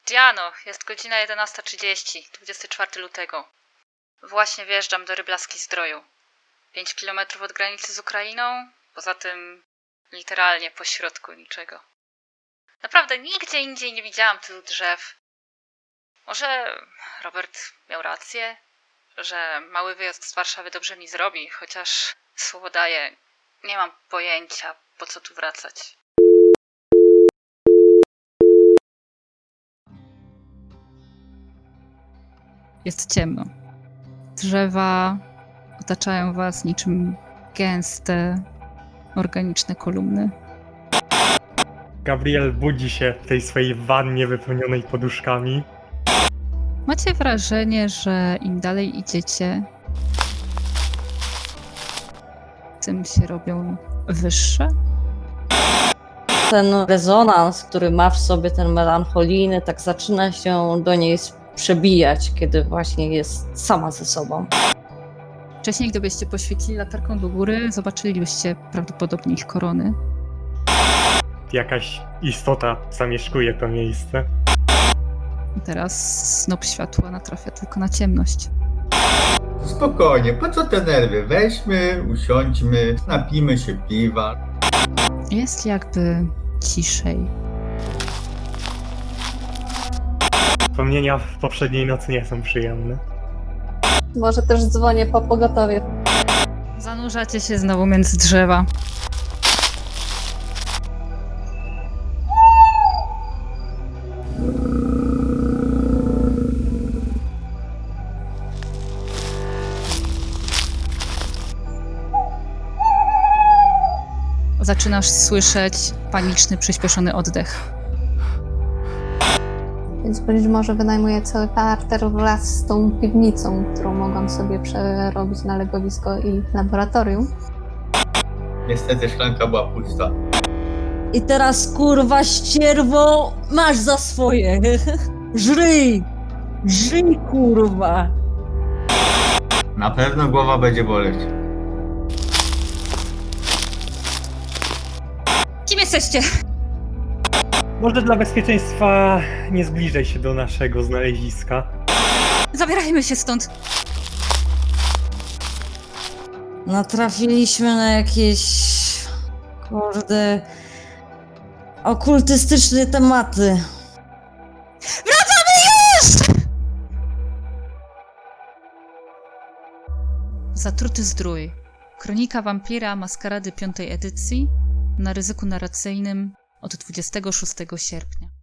Diano, jest godzina 11:30, 24 lutego. Właśnie wjeżdżam do Ryblaski Zdroju. 5 kilometrów od granicy z Ukrainą, poza tym literalnie pośrodku niczego. Naprawdę nigdzie indziej nie widziałam tylu drzew. Może Robert miał rację, że mały wyjazd z Warszawy dobrze mi zrobi, chociaż słowo daję, nie mam pojęcia, po co tu wracać. Jest ciemno. Drzewa otaczają was niczym gęste, organiczne kolumny. Gabriel budzi się w tej swojej wannie wypełnionej poduszkami. Macie wrażenie, że im dalej idziecie, tym się robią wyższe. Ten rezonans, który ma w sobie ten melancholijny, tak zaczyna się do niej przebijać, kiedy właśnie jest sama ze sobą. Wcześniej, gdybyście poświecili latarką do góry, zobaczylibyście prawdopodobnie ich korony. Jakaś istota zamieszkuje to miejsce. Teraz snop światła natrafia tylko na ciemność. Spokojnie, po co te nerwy? Weźmy, usiądźmy, napijmy się piwa. Jest jakby ciszej. Wspomnienia w poprzedniej nocy nie są przyjemne. Może też dzwonię po pogotowie. Zanurzacie się znowu między drzewa. Zaczynasz słyszeć paniczny, przyspieszony oddech. Więc być może wynajmuję cały parter wraz z tą piwnicą, którą mogłam sobie przerobić na legowisko i laboratorium. Niestety szklanka była pusta. I teraz, kurwa, ścierwo, masz za swoje. Żryj! Żyj, kurwa! Na pewno głowa będzie boleć. Kim jesteście? Może dla bezpieczeństwa nie zbliżaj się do naszego znaleziska. Zabierajmy się stąd. Natrafiliśmy na jakieś, kurde, okultystyczne tematy. Zatruty Zdrój. Kronika wampira Maskarady 5. edycji na ryzyku narracyjnym od 26 sierpnia.